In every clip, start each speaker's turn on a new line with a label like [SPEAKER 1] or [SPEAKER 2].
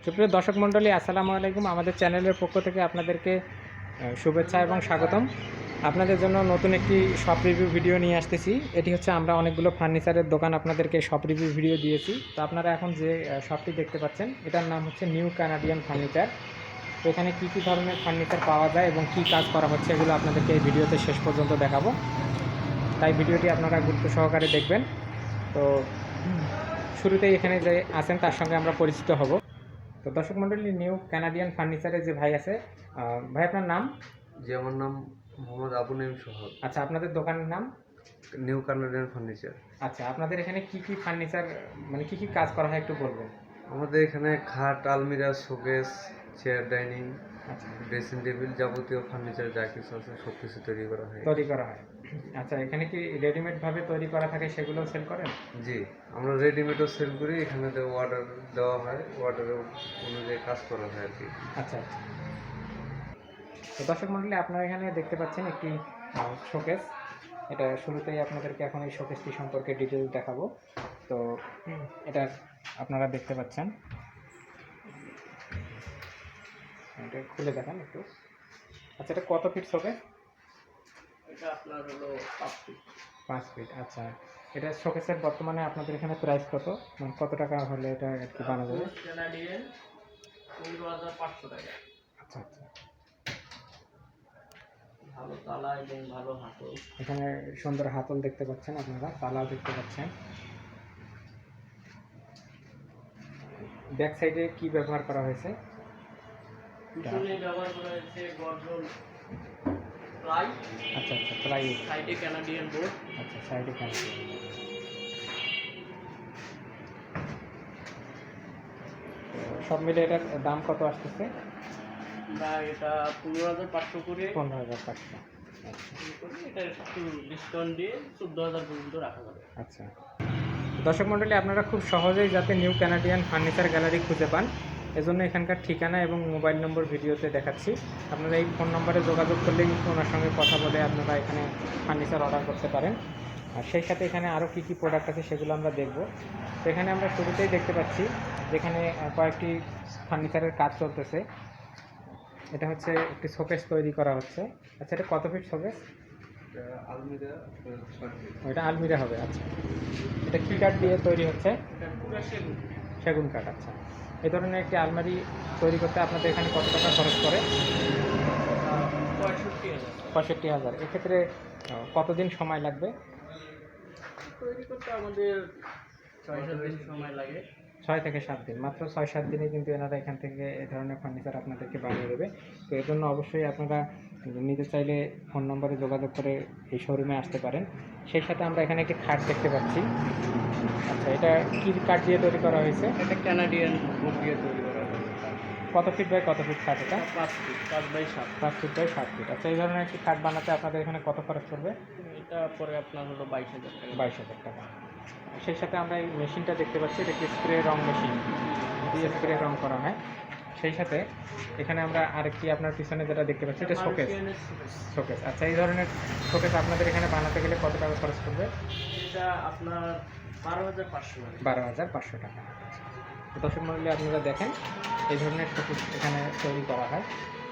[SPEAKER 1] সুপ্রিয় দর্শক মণ্ডলী, আসসালামু আলাইকুম। আমাদের চ্যানেলের পক্ষ থেকে আপনাদেরকে শুভেচ্ছা এবং স্বাগতম। আপনাদের জন্য নতুন একটি শপ রিভিউ ভিডিও নিয়ে আসতেছি। এটি হচ্ছে আমরা অনেকগুলো ফার্নিচারের দোকান আপনাদেরকে শপ রিভিউ ভিডিও দিয়েছি। তো আপনারা এখন যে শপটি দেখতে পাচ্ছেন, এটার নাম হচ্ছে নিউ কানাডিয়ান ফার্নিচার। তো এখানে কী কী ধরনের ফার্নিচার পাওয়া যায় এবং কী কাজ করা হচ্ছে, এগুলো আপনাদেরকে এই ভিডিওতে শেষ পর্যন্ত দেখাবো। তাই ভিডিওটি আপনারা গুরুত্ব সহকারে দেখবেন। তো শুরুতেই এখানে যে আছেন তার সঙ্গে আমরা পরিচিত হব। তো দর্শক মণ্ডলী, নিউ কানাডিয়ান ফার্নিচারের যে ভাই আছে, ভাই আপনার নাম?
[SPEAKER 2] জি, আমার নাম মোহাম্মদ আবু নঈম সোহাগ।
[SPEAKER 1] আচ্ছা, আপনাদের দোকানের নাম?
[SPEAKER 2] New Canadian furniture.
[SPEAKER 1] আচ্ছা, আপনাদের এখানে কি কি ফার্নিচার, মানে কি কি কাজ করা হয় একটু বলবেন?
[SPEAKER 2] আমাদের এখানে খাট, আলমিরা, শোকেস, চেয়ার, ডাইনিং,
[SPEAKER 1] আচ্ছা,
[SPEAKER 2] ড্রেসিং টেবিল, যাবতীয় ফার্নিচার যা কিছু আছে সব কিছু তৈরি করা হয়।
[SPEAKER 1] আচ্ছা, এখানে কি রেডিমেডভাবে তৈরি করা থাকে, সেগুলো সেল করেন?
[SPEAKER 2] জি, আমরা রেডিমেডও সেল করি। এখানে অর্ডার দেওয়া হয়, অর্ডারের অনুযায়ী কাজ করা হয় আর কি।
[SPEAKER 1] আচ্ছা আচ্ছা। তো দর্শক মণ্ডলী, আপনারা এখানে দেখতে পাচ্ছেন একটি শোকেস। এটা শুরুতেই আপনাদেরকে এখন এই শোকেসটি সম্পর্কে ডিটেলস দেখাবো। তো এটা আপনারা দেখতে পাচ্ছেন, এটা খুলে দেখান একটু। আচ্ছা, এটা কত ফিট শোকেস?
[SPEAKER 3] এটা আপনার হলো 5 ফিট।
[SPEAKER 1] 5 ফিট। আচ্ছা, এটা শোকেসের বর্তমানে আপনাদের এখানে প্রাইস কত, মানে কত টাকা হলে এটা আর কি বানানো যাবে?
[SPEAKER 3] ক্যানাডিয়ান 15,500 টাকা।
[SPEAKER 1] আচ্ছা আচ্ছা।
[SPEAKER 3] ভালো তালা এবং ভালো হাতল।
[SPEAKER 1] এখানে সুন্দর হাতল দেখতে পাচ্ছেন আপনারা, তালাও দেখতে পাচ্ছেন। ব্যাক সাইডে কি ব্যবহার করা হয়েছে?
[SPEAKER 3] পিছনে ব্যবহার করা হয়েছে গর্জন প্লাই।
[SPEAKER 1] আচ্ছা আচ্ছা, প্লাই।
[SPEAKER 3] সাইডে ক্যানাডিয়ান বোর্ড।
[SPEAKER 1] আচ্ছা, সাইডে কেন? সব মিলে এটার দাম কত আসতেছে?
[SPEAKER 3] আমরা এটা 15,500 করে
[SPEAKER 1] 15,500। আচ্ছা
[SPEAKER 3] করি। এটা একটু ডিসকাউন্ট দিয়ে 14,000 পর্যন্ত রাখা যাবে।
[SPEAKER 1] আচ্ছা। দর্শক মণ্ডলী, আপনারা খুব সহজেই যাতে নিউ কানাডিয়ান ফার্নিচার গ্যালারি খুঁজে পান, এজন্য এখানকার ঠিকানা এবং মোবাইল নম্বর ভিডিওতে দেখাচ্ছি। আপনারা এই ফোন নম্বরে যোগাযোগ করলেই ওনার সঙ্গে কথা বলে আপনারা এখানে ফার্নিচার অর্ডার করতে পারেন। আর সেই সাথে এখানে আরও কী কী প্রোডাক্ট আছে সেগুলো আমরা দেখব। তো এখানে আমরা শুরুতেই দেখতে পাচ্ছি যেখানে কয়েকটি ফার্নিচারের কাজ চলতেছে। এটা হচ্ছে একটি শোকেস তৈরি করা হচ্ছে। আচ্ছা, এটা কত ফিট শোকেস?
[SPEAKER 2] আলমিরা 6 ফিট।
[SPEAKER 1] এটা আলমিরা হবে। আচ্ছা, এটা কী কাঠ দিয়ে তৈরি হচ্ছে?
[SPEAKER 3] এটা পুরো সেগুন।
[SPEAKER 1] সেগুন কাঠ। আচ্ছা, এই ধরনের একটি আলমারি তৈরি করতে আপনাদের এখানে কত টাকা খরচ পড়ে?
[SPEAKER 3] 65,000।
[SPEAKER 1] 65,000। এক্ষেত্রে কতদিন সময় লাগবে?
[SPEAKER 3] তৈরি করতে আমাদের 6-7 দিন সময় লাগে।
[SPEAKER 1] 6 থেকে 7 দিন। মাত্র 6-7 দিনে কিন্তু এনারা এখান থেকে এই ধরনের ফার্নিচার আপনাদেরকে বানিয়ে দেবে। তো এর জন্য অবশ্যই আপনারা নিতে চাইলে ফোন নম্বরে যোগাযোগ করে এই শোরুমে আসতে পারেন। সেই সাথে আমরা এখানে একটি খাট দেখতে পাচ্ছি। আচ্ছা, এটা কী কাঠ দিয়ে তৈরি করা হয়েছে?
[SPEAKER 3] এটা ক্যানাডিয়ান বোর্ড দিয়ে তৈরি করা হয়েছে।
[SPEAKER 1] কত ফিট বাই কত ফিট খাট এটা?
[SPEAKER 3] 5 ফিট, 5/7।
[SPEAKER 1] 5 feet by 7 fit. আচ্ছা, এই ধরনের একটি খাট বানাতে আপনাদের এখানে কত খরচ পড়বে?
[SPEAKER 3] এটা পরে আপনার হলো 22,000 টাকা।
[SPEAKER 1] 22,000 টাকা। সেই সাথে আমরা এই মেশিনটা দেখতে পাচ্ছি, এটা একটি স্প্রে রং মেশিন দিয়ে স্প্রে রং করা হয়। সেই সাথে এখানে আমরা আরেকটি আপনার পিছনে যেটা দেখতে পাচ্ছি, এটা শোকেস। শোকেস। আচ্ছা, এই ধরনের শোকেস আপনাদের এখানে বানাতে গেলে কত টাকা খরচ পড়বে?
[SPEAKER 3] এটা আপনার 12,500 টাকা।
[SPEAKER 1] 12,500 টাকা। তো দর্শক মণ্ডলী, আপনারা দেখেন এই ধরনের শোকেস এখানে তৈরি করা হয়।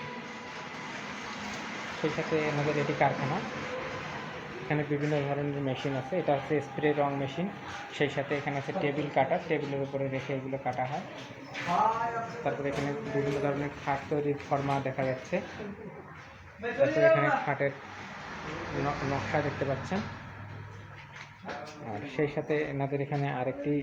[SPEAKER 1] সেই সাথে আমাদের এটি কারখানা। এখানে বিভিন্ন ধরনের মেশিন আছে। এটা হচ্ছে স্প্রে রং মেশিন। সেই সাথে এখানে আছে টেবিল কাটার, টেবিলের উপরে রেখে এগুলো কাটা হয়। তারপরে এখানে বিভিন্ন ধরনের খাট তৈরির ফর্মা দেখা যাচ্ছে। তারপরে এখানে খাটের নকশা দেখতে পাচ্ছেন। আর সেই সাথে এনাদের এখানে আরেকটি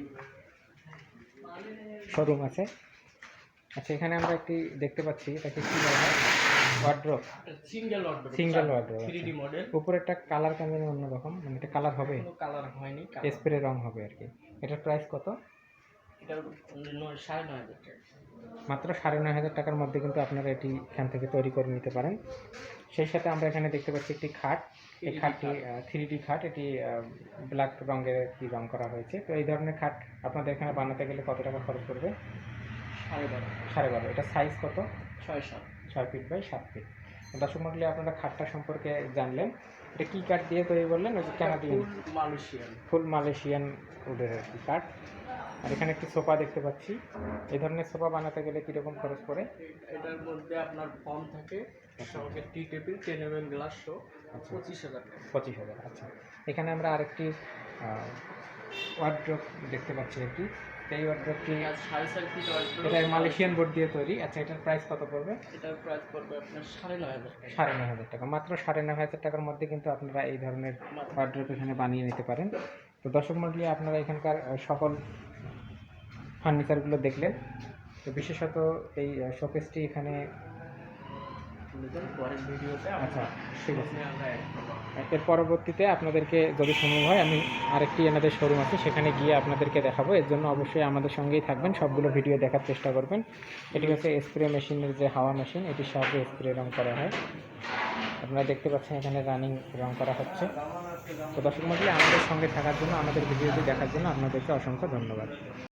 [SPEAKER 1] শোরুম আছে। আচ্ছা, এখানে আমরা একটি দেখতে পাচ্ছি, এটাকে কী বলা হয়? Wardrobe.
[SPEAKER 3] Single order.
[SPEAKER 1] Single wardrobe.
[SPEAKER 3] 3D model.
[SPEAKER 1] উপরেরটা কালার কেমন অন্যরকম, মানে এটা কালার হবে?
[SPEAKER 3] কোনো কালার হয়নি।
[SPEAKER 1] স্প্রে রং হবে আর কি। এটার প্রাইস কত?
[SPEAKER 3] এটা 9,500 টাকা।
[SPEAKER 1] মাত্র 9,500 টাকার মধ্যে কিন্তু আপনারা এটি এখান থেকে তৈরি করে নিতে পারেন। সেই সাথে আমরা এখানে দেখতে পাচ্ছি একটি খাট। এই খাটটি 3D খাট। এটি ব্ল্যাক রঙের কি রং করা হয়েছে। তো এই ধরনের খাট আপনাদের এখানে বানাতে গেলে কত টাকা খরচ পড়বে?
[SPEAKER 3] 12.5।
[SPEAKER 1] 12.5। এটা সাইজ কত?
[SPEAKER 3] 6-7।
[SPEAKER 1] 6 ফিট বাই 7 ফিট। দর্শক মণ্ডলী, আপনারা খাটটা সম্পর্কে জানলেন। এটা কী কাঠ দিয়ে তৈরি বললেন? ওই যে কানাডিয়ান
[SPEAKER 3] মালয়েশিয়ান।
[SPEAKER 1] ফুল মালয়েশিয়ান উডের আর কি কাঠ। আর এখানে একটি সোফা দেখতে পাচ্ছি। এই ধরনের সোফা বানাতে গেলে কীরকম খরচ পড়ে?
[SPEAKER 3] এটার মধ্যে আপনার ফর্ম থাকে, সঙ্গে tea table 10 mm glass show, 25,000 টাকা।
[SPEAKER 1] 25,000। আচ্ছা, এখানে আমরা আরেকটি ওয়ার্ড্রপ দেখতে পাচ্ছি একটি। এই ওয়ার্ড্রপটি
[SPEAKER 3] আর 5.5 ফিট
[SPEAKER 1] এটা মালয়েশিয়ান বোর্ড দিয়ে তৈরি। আচ্ছা, এটার প্রাইস কত পড়বে?
[SPEAKER 3] এটার প্রাইস পড়বে আপনার 9,500 টাকা।
[SPEAKER 1] 9,500 টাকা। মাত্র 9,500 টাকার মধ্যে কিন্তু আপনারা এই ধরনের ওয়ার্ড্রপ এখানে বানিয়ে নিতে পারেন। তো দর্শক মণ্ডলী, আপনারা এখানকার সকল ফার্নিচারগুলো দেখলেন। তো বিশেষত এই শোকেসটি এখানে।
[SPEAKER 3] পরের ভিডিওতে
[SPEAKER 1] আচ্ছা, ঠিক আছে।
[SPEAKER 3] আমরা অ্যাড করবো।
[SPEAKER 1] এর পরবর্তীতে আপনাদেরকে যদি সম্ভব হয় আমি আরেকটি এনাদের শোরুম আছে, সেখানে গিয়ে আপনাদেরকে দেখাবো। এর জন্য অবশ্যই আমাদের সঙ্গেই থাকবেন, সবগুলো ভিডিও দেখার চেষ্টা করবেন। এটি হচ্ছে স্প্রে মেশিনের যে হাওয়া মেশিন, এটির সাহায্যে স্প্রে রং করা হয়। আপনারা দেখতে পাচ্ছেন এখানে রানিং রং করা হচ্ছে। তো দর্শক মণ্ডলী, আমাদের সঙ্গে থাকার জন্য, আমাদের ভিডিওটি দেখার জন্য আপনাদেরকে অসংখ্য ধন্যবাদ।